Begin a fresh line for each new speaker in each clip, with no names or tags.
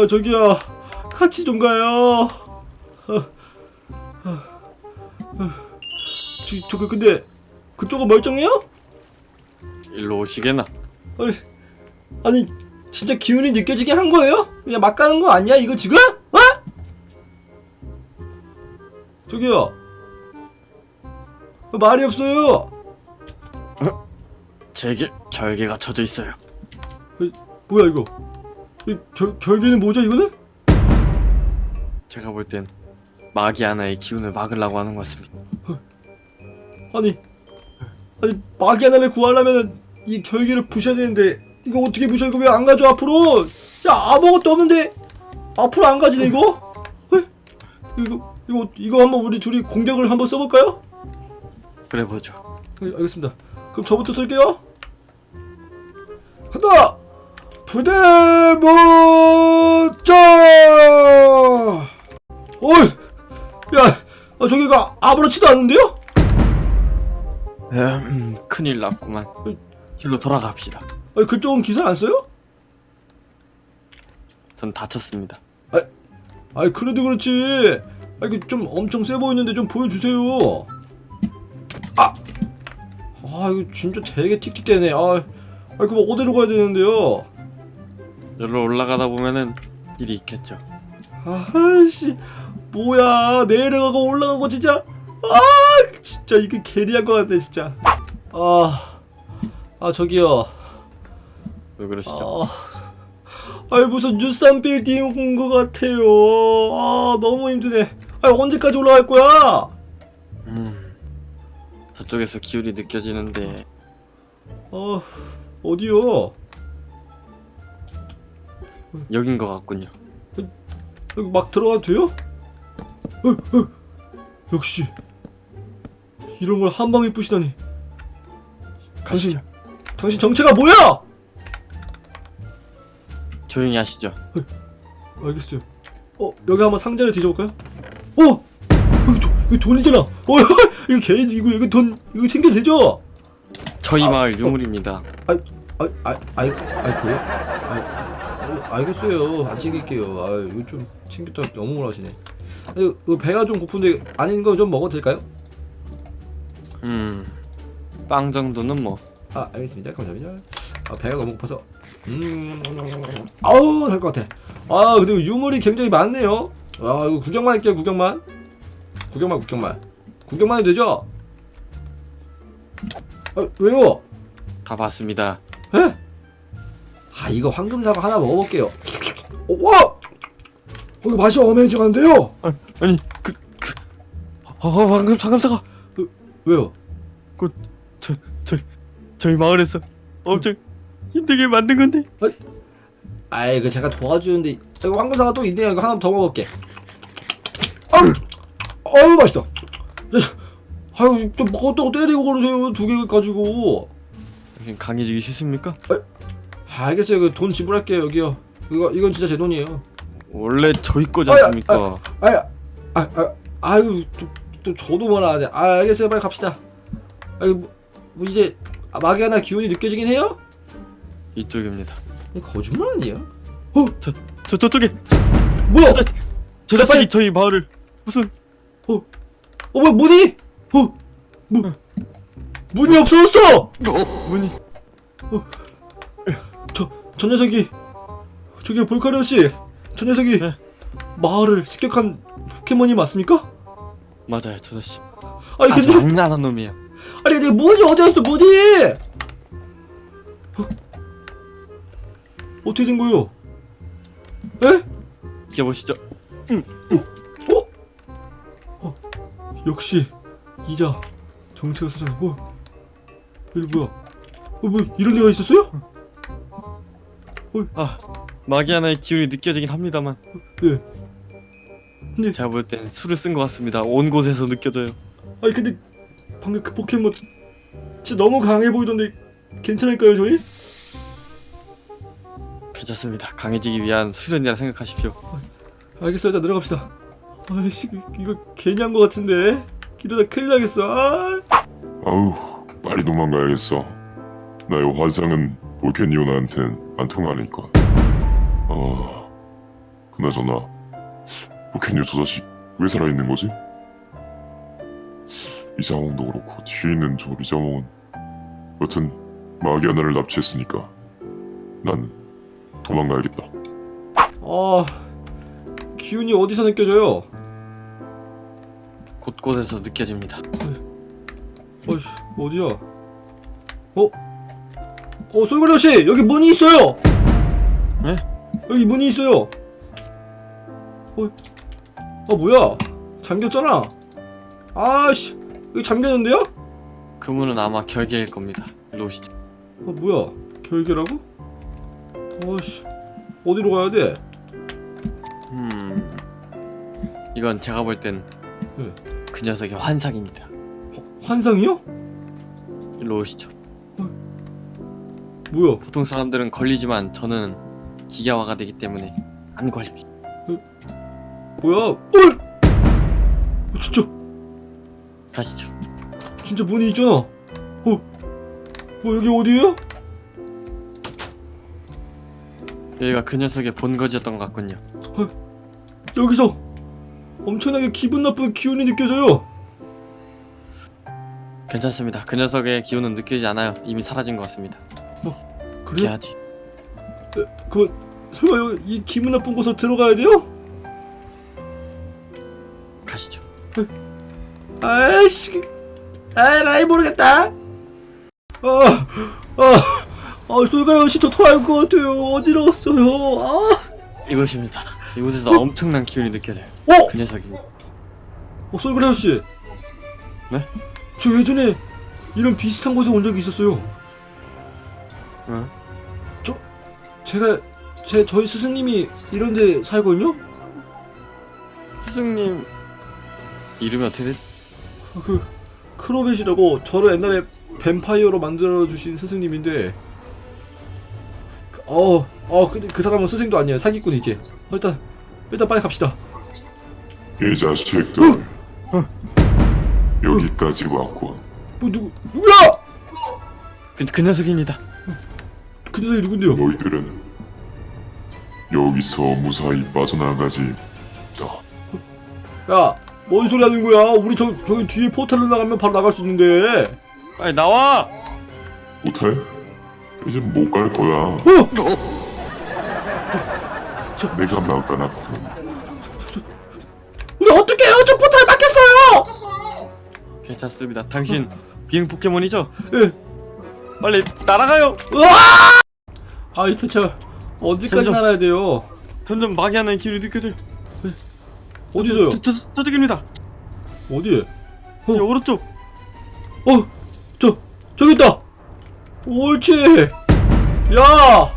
저기요, 같이 좀 가요. 근데 그쪽은 멀쩡해요?
일로 오시게나.
아니 진짜 기운이 느껴지게 한 거예요? 그냥 막 가는 거 아니야 이거 지금? 어? 저기요, 말이 없어요.
제게 결계가 쳐져 있어요.
뭐야 이거? 결계는 뭐죠 이거는?
제가 볼 땐 마귀 하나의 기운을 막으려고 하는 것 같습니다.
아니 마귀 하나를 구하려면 이 결계를 부셔야 되는데 이거 어떻게 부셔? 이거 왜 안 가져 앞으로? 야, 아무것도 없는데 앞으로 안 가지네 이거? 이거 한번 우리 둘이 공격을 한번 써볼까요?
그래 보죠.
알겠습니다. 그럼 저부터 쓸게요. 간다! 부대모자! 어이! 야! 저기가 아무렇지도 않은데요?
큰일 났구만. 길로 돌아갑시다.
그쪽은 기사 안 써요?
전 다쳤습니다.
그래도 그렇지. 이게 좀 엄청 세 보이는데 좀 보여주세요. 이거 진짜 되게 틱틱대네. 그럼 어디로 가야 되는데요?
여기로 올라가다 보면은 길이 있겠죠.
아이씨, 뭐야, 내려가고 올라가고 진짜. 진짜 이게 게리한 것 같네 진짜. 저기요.
왜 그러시죠?
무슨 뉴산 빌딩 온 것 같아요. 너무 힘드네. 언제까지 올라갈 거야?
저쪽에서 기운이 느껴지는데.
어디요?
여긴 것 같군요.
여기 막 들어가도 돼요? 역시 이런 걸 한 방에 부시다니.
가시죠.
당신 정체가 뭐야?
조용히 하시죠.
알겠어요. 여기 한번 상자를 뒤져볼까요? 이거 돈이잖아. 이거 개인 이거 돈 이거 챙겨도 되죠?
저희 마을 유물입니다.
그래요? 알겠어요. 안 챙길게요. 이거 좀 챙겼다 너무 뭐라시네. 이거 배가 좀 고픈데 아닌 거 좀 먹어도 될까요?
빵 정도는 뭐.
알겠습니다. 감사합니다. 배가 너무 고파서. 아우, 살 것 같아. 근데 유물이 굉장히 많네요. 이거 구경만 할게요. 구경만 해도 되죠? 왜요?
다 봤습니다.
에? 이거 황금사과 하나 먹어볼게요. 와! 이거 맛이 어메이징한데요?
아니 방금 상감사가
왜요?
저희 마을에서 엄청 힘들게 만든 건데.
이거 제가 도와주는데. 이거 황금사과 또 있네요. 이거 하나 더 먹어볼게. 맛있어. 좀 먹었다고 때리고 그러세요. 2개 가지고.
강해지기 싫습니까?
알겠어요. 이거 돈 지불할게요. 여기요. 이건 진짜 제 돈이에요.
원래 저희 거지 않습니까?
또 저도 뭐라 하네. 알겠어요. 빨리 갑시다. 이제 마귀 하나 기운이 느껴지긴 해요?
이쪽입니다.
거짓말 아니에요?
저쪽에
뭐야?
저 자식이 저희 마을을 무슨
뭐야, 문이? 문이 없어졌어!
문이.
저 녀석이, 저기 볼카리오씨, 저 녀석이
네.
마을을 습격한 포켓몬이 맞습니까?
맞아요, 저 자식.
근데
장난한 놈이야.
근데 문이 어디였어, 문이? 어떻게 된 거요? 에?
이게 보시죠.
역시 이자 정체가 수상해. 여기 뭐야? 뭐 이런 데가 있었어요?
마귀 하나의 기운이 느껴지긴 합니다만.
네. 근데
제가 볼 땐 술을 쓴 것 같습니다. 온 곳에서 느껴져요.
근데 방금 그 포켓몬 진짜 너무 강해 보이던데 괜찮을까요, 저희?
괜찮습니다. 강해지기 위한 수련이라 생각하십시오.
알겠어요. 일단 내려갑시다. 이거 괜히 한 거 같은데 이러다 큰일 나겠어.
아우, 빨리 도망가야겠어. 나의 화상은 볼케니오나한텐 안 통하니까. 그나저나 부캐뉴 저 자식 왜 살아있는 거지? 이자몽도 그렇고 뒤에 있는 저 리자몽은 여튼 마귀 하나를 납치했으니까 난 도망가야겠다.
아, 기운이 어디서 느껴져요?
곳곳에서 느껴집니다.
어이씨, 어디야? 솔그레오 씨, 여기 문이 있어요.
네?
여기 문이 있어요. 뭐야? 잠겼잖아. 아씨, 여기 잠겼는데요?
그 문은 아마 결계일 겁니다. 일로 오시죠.
뭐야? 결계라고? 아씨, 어디로 가야 돼?
이건 제가 볼 땐 그
네.
녀석의 환상입니다.
환상이요?
일로 오시죠.
뭐야?
보통 사람들은 걸리지만 저는 기계화가 되기 때문에 안 걸립니다.
뭐야? 진짜
가시죠.
진짜 문이 있잖아. 여기 어디예요?
여기가 그 녀석의 본거지였던 것 같군요.
여기서 엄청나게 기분 나쁜 기운이 느껴져요.
괜찮습니다. 그 녀석의 기운은 느끼지 않아요. 이미 사라진 것 같습니다.
그래?
해야지.
설마 이 기분 나쁜 곳에 들어가야 돼요?
가시죠.
아이씨, 라이 모르겠다. 솔가영 씨, 저 토할 것 같아요. 어지러웠어요.
이곳입니다. 이곳에서 엄청난 기운이 느껴져요. 그 녀석입니다.
솔가영 씨.
네?
저 예전에 이런 비슷한 곳에 온 적이 있었어요.
응?
저희 스승님이 이런 데 살거든요?
스승님 이름이 어떻게 되지?
크로벳이라고 저를 옛날에 뱀파이어로 만들어주신 스승님인데 근데 그 사람은 스승도 아니에요. 사기꾼이지. 일단 빨리 갑시다.
이 자식들 여기까지 왔군.
누구야?
그 녀석입니다.
그 녀석이 누군데요?
너희들은 여기서 무사히 빠져나가지.
야, 뭔 소리 하는 거야? 우리 저기 뒤에 포탈로 나가면 바로 나갈 수 있는데.
빨리 나와!
못해? 이제 못 갈 거야. 내가 막아놨군.
근데 어떡해요? 저 포탈 막혔어요!
괜찮습니다. 당신 비행 포켓몬이죠?
예.
빨리 날아가요!
이 대체 언제까지
점점.
날아야 돼요?
점점 마귀 하나의 기운이 느껴져요.
어디서요?
저쪽입니다.
어디에?
이 오른쪽.
저기 있다! 옳지! 야!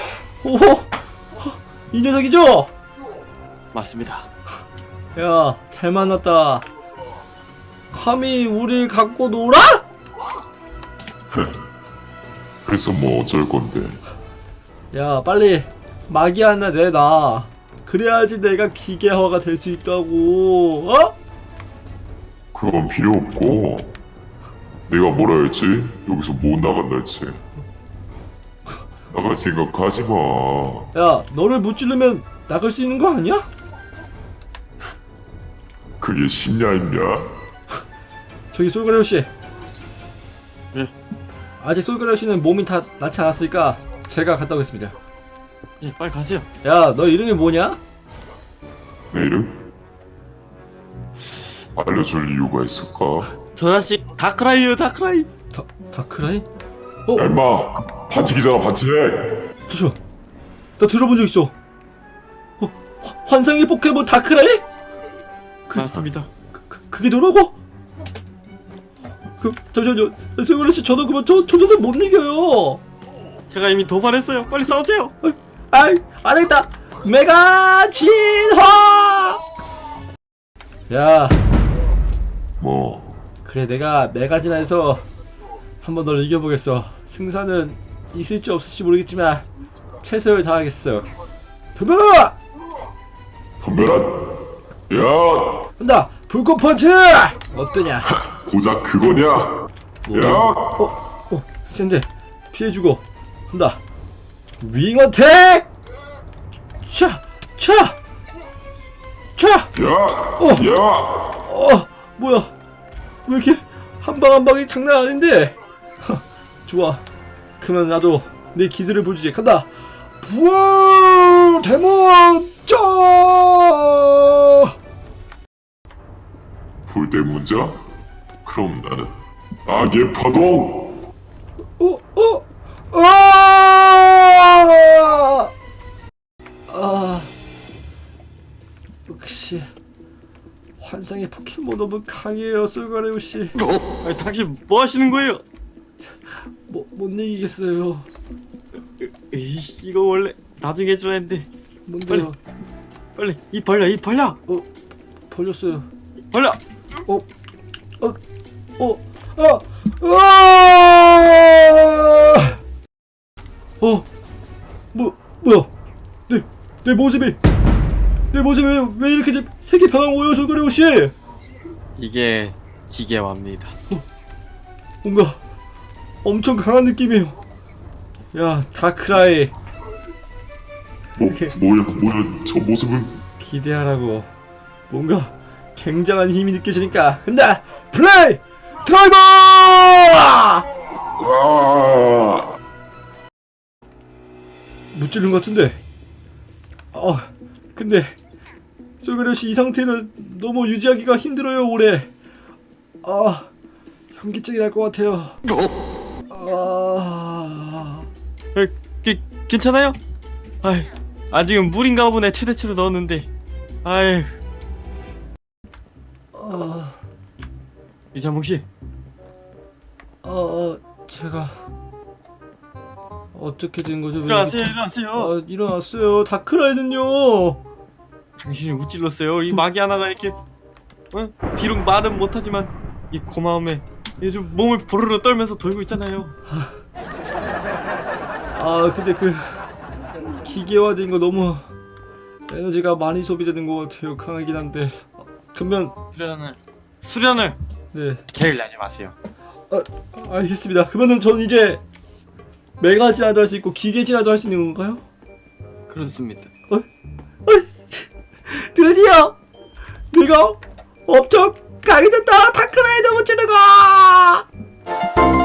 이 녀석이죠?
맞습니다.
야, 잘 만났다. 감히 우릴 갖고 놀아?
그래서 뭐 어쩔 건데.
야, 빨리 마기 하나 내놔. 그래야지 내가 기계화가 될 수 있다고.
그건 필요 없고. 내가 뭐라 했지? 여기서 못 나간다 했지. 나갈 생각하지 마.
야, 너를 무찌르면 나갈 수 있는 거 아니야?
그게 쉽냐 임냐?
저기 솔그레오 씨.
예.
아직 솔그레오 씨는 몸이 다 낫지 않았으니까 제가 갔다 오겠습니다.
예, 빨리 가세요.
야, 너 이름이 뭐냐?
내 이름? 알려줄 이유가 있을까?
저 자식 다크라이요, 다크라이.
다크라이?
야 임마! 반칙이잖아 반칙!
잠시만, 나 들어본 적 있어. 환상의 포켓몬 다크라이?
맞습니다.
그게 너라고? 잠시만요, 솔그레오 씨, 저도 그만 저 녀석 못 이겨요.
제가 이미 도발했어요. 빨리 싸우세요.
안 되겠다. 메가 진화. 야,
뭐
그래, 내가 메가 진화해서 한번 너를 이겨보겠어. 승산은 있을지 없을지 모르겠지만 최선을 다하겠어. 덤벼라!
덤벼라! 야!
간다. 불꽃 펀치! 어떠냐?
고작 그거냐? 야!
센데 피해주고 간다. 윙 어택! 차!
야! 야!
뭐야? 왜 이렇게 한 방 한 방이 장난 아닌데? 좋아. 그러면 나도 내 기술을 보여주지. 간다. 부활 대문자.
불대문자? 그럼 나는 악의 파동!
역시 환상의 포켓몬 너무 강해요, 솔가레오 씨.
아니, 당신 뭐 하시는 거예요?
못 이기겠어요.
에이, 이거 원래 나중에 해줘야 했는데.
뭔데요?
빨리 입 벌려, 입 벌려,
벌렸어요.
벌려.
뭐야? 내 모습이 왜 이렇게 색이 변한 거예요, 솔가레오 씨?
이게 기계화입니다.
뭔가 엄청 강한 느낌이에요. 야, 다크라이.
뭐야, 저 모습은?
기대하라고. 뭔가 굉장한 힘이 느껴지니까 간다. 플레이 드라이버!
아!
못 찌른 것 같은데. 근데 솔가레오 씨 이 상태는 너무 유지하기가 힘들어요, 오래. 현기증이 날 것 같아요.
괜찮아요? 아이, 아직은 물인가 보네. 최대치로 넣었는데. 아이, 이장봉 씨.
제가 어떻게 된 거죠?
일어나세요, 일어나세요.
일어났어요. 다크라이는요.
당신이 우찔렀어요. 이 마기 하나가 이렇게 비록 말은 못하지만 이 고마움에 요즘 몸을 보르르 떨면서 돌고 있잖아요.
근데 그 기계화된 거 너무 에너지가 많이 소비되는 것 같아요. 강하긴 한데. 그러면
수련을
네,
게을 내지 마세요.
알겠습니다. 그러면은 전 이제 메가 진화도 할 수 있고 기계 진화도 할 수 있는 건가요?
그렇습니다.
드디어 내가 엄청 강해졌다. 다크라이더 못 치는 거.